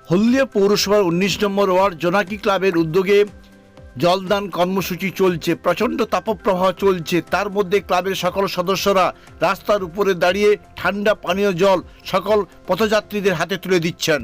হলদিয়া পৌরসভার ১৯ নম্বর ওয়ার্ড জোনাকি ক্লাবের উদ্যোগে জলদান কর্মসূচি চলছে। প্রচণ্ড তাপপ্রবাহ চলছে, তার মধ্যে ক্লাবের সকল সদস্যরা রাস্তার উপরে দাঁড়িয়ে ঠান্ডা পানীয় জল সকল পথযাত্রীদের হাতে তুলে দিচ্ছেন।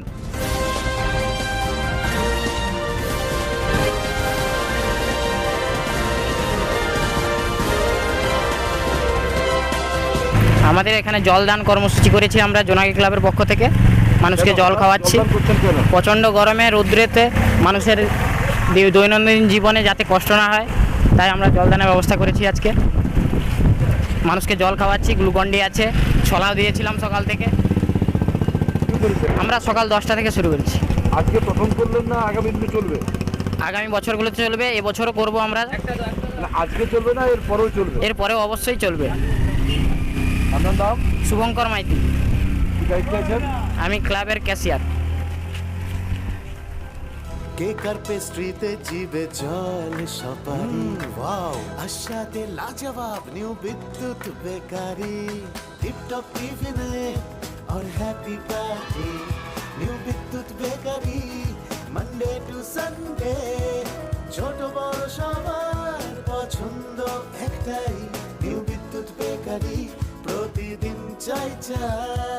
আমাদের এখানে জলদান কর্মসূচি করেছি আমরা জোনাকি ক্লাবের পক্ষ থেকে। মানুষকে জল খাওয়াচ্ছি। প্রচণ্ড গরমে রৌদ্রেতে মানুষের দৈনন্দিন জীবনে যাতে কষ্ট না হয় তাই আমরা জলদানের ব্যবস্থা করেছি। আজকে মানুষকে জল খাওয়াচ্ছি, গ্লুকন্ডি আছে, ছলাও দিয়েছিলাম সকাল থেকে। আমরা সকাল 10টা থেকে শুরু করেছি। আজকে প্রথম করলেন না আগামী দিনে চলবে? আগামী বছরগুলোতে চলবে, এবছরও করব আমরা। আজকে চলবে না এরপরেও চলবে? এরপরেও অবশ্যই চলবে। আপনার নাম? শুভঙ্কর মাইতি। দায়িত্বে আছেন? আমি ক্লাবের ক্যাশিয়ার। কেকার পেস্ট্রিতে জিবে জল সপারি ওয়াও আশাতে লাজবাব নিউ বিদ্যুৎ বেকারি টিপটপ টিফিনে और happy party new Bidyut bakery Monday to Sunday ছোট বড় সবার পছন্দ একটাই নিউ বিদ্যুৎ বেকারি প্রতিদিন চাই চাই